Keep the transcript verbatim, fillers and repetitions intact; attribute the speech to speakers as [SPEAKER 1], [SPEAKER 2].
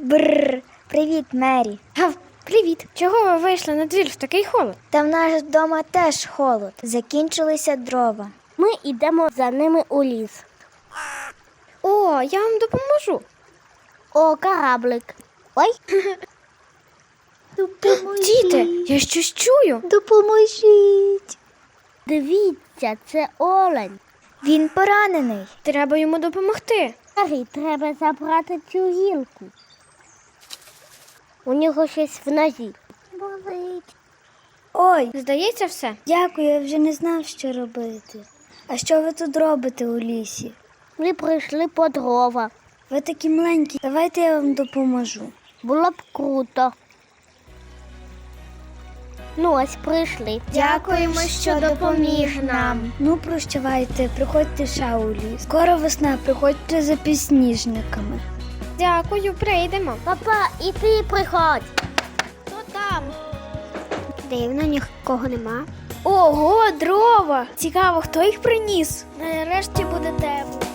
[SPEAKER 1] Бррр, привіт, Мері.
[SPEAKER 2] Гав, привіт. Чого ви вийшли на двір в такий холод?
[SPEAKER 1] Та в нас вдома теж холод. Закінчилися дрова.
[SPEAKER 3] Ми йдемо за ними у ліс.
[SPEAKER 2] О, я вам допоможу.
[SPEAKER 3] О, кораблик. Ой.
[SPEAKER 2] Діти, я щось чую.
[SPEAKER 1] Допоможіть.
[SPEAKER 3] Дивіться, це олень.
[SPEAKER 1] Він поранений.
[SPEAKER 2] Треба йому допомогти.
[SPEAKER 3] Старий, треба забрати цю гілку. У нього щось в нозі. Болить.
[SPEAKER 1] Ой,
[SPEAKER 2] Здається, все.
[SPEAKER 1] дякую, я вже не знав, що робити. А що ви тут робите у лісі?
[SPEAKER 3] Ми прийшли по дрова.
[SPEAKER 1] Ви такі маленькі, давайте я вам допоможу.
[SPEAKER 3] Було б круто. Ну, ось прийшли.
[SPEAKER 2] Дякуємо, що допоміг нам.
[SPEAKER 1] Ну, прощавайте, приходьте ще у ліс. Скоро весна, приходьте за підсніжниками.
[SPEAKER 2] Дякую, прийдемо.
[SPEAKER 3] Папа, і ти приходь.
[SPEAKER 2] Хто там?
[SPEAKER 3] Дивно, нікого нема.
[SPEAKER 1] Ого, дрова! Цікаво, хто їх приніс?
[SPEAKER 2] Нарешті буде тепло.